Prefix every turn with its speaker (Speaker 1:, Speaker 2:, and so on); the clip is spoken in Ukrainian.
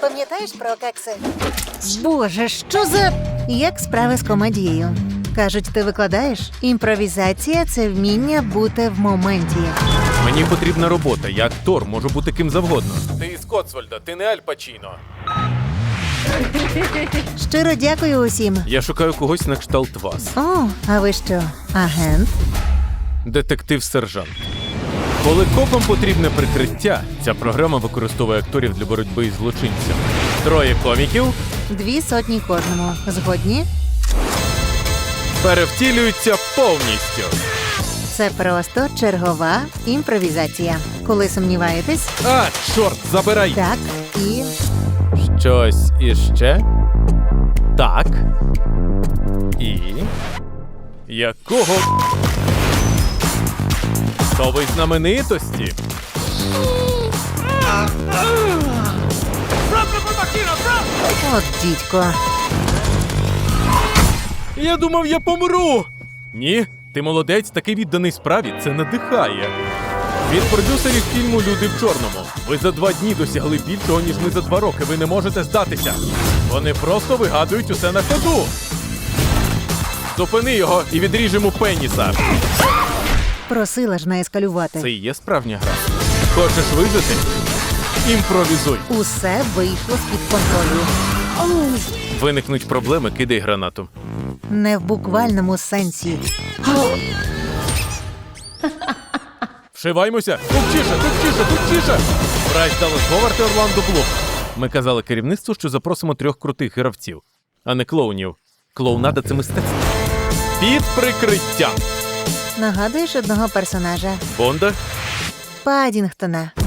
Speaker 1: Пам'ятаєш про кекси? Боже, що за... Як справи з комедією? Кажуть, ти викладаєш? Імпровізація – це вміння бути в моменті.
Speaker 2: Мені потрібна робота. Я актор, можу бути ким завгодно. Ти із Коцвальда, ти не Аль Пачіно.
Speaker 1: Щиро дякую усім.
Speaker 2: Я шукаю когось на кшталт вас.
Speaker 1: О, а ви що, агент?
Speaker 2: Детектив-сержант. Коли копам потрібне прикриття, ця програма використовує акторів для боротьби із злочинцями. 3 коміків
Speaker 1: 200 кожному. Згодні?
Speaker 2: перевтілюються повністю.
Speaker 1: Це просто чергова імпровізація. Коли сумніваєтесь,
Speaker 2: А, чорт, забирай!
Speaker 1: так і...
Speaker 2: Щось іще? Так. І... Якого... То ви знаменитості?
Speaker 1: От дідько.
Speaker 2: Я думав, я помру! Ні, ти молодець, такий відданий справі, це надихає. Від продюсерів фільму «Люди в чорному». Ви за 2 дні досягли більшого, ніж ми за 2 роки. Ви не можете здатися. Вони просто вигадують усе на ходу. Зупини його і відріжемо пеніса.
Speaker 1: Просила ж не ескалювати.
Speaker 2: Це і є справжня гра. Хочеш вижити? Імпровізуй.
Speaker 1: Усе вийшло з-під контролю.
Speaker 2: Виникнуть проблеми, кидай гранату.
Speaker 1: Не в буквальному сенсі.
Speaker 2: Вшиваймося! Тупчіше! Прайс Даллас Говард і Орландо Блум. Ми казали керівництву, що запросимо 3 крутих гравців, а не клоунів. Клоунада – це мистецтво. Під прикриттям.
Speaker 1: Нагадуєш одного персонажа?
Speaker 2: Бонда?
Speaker 1: Паддінгтона.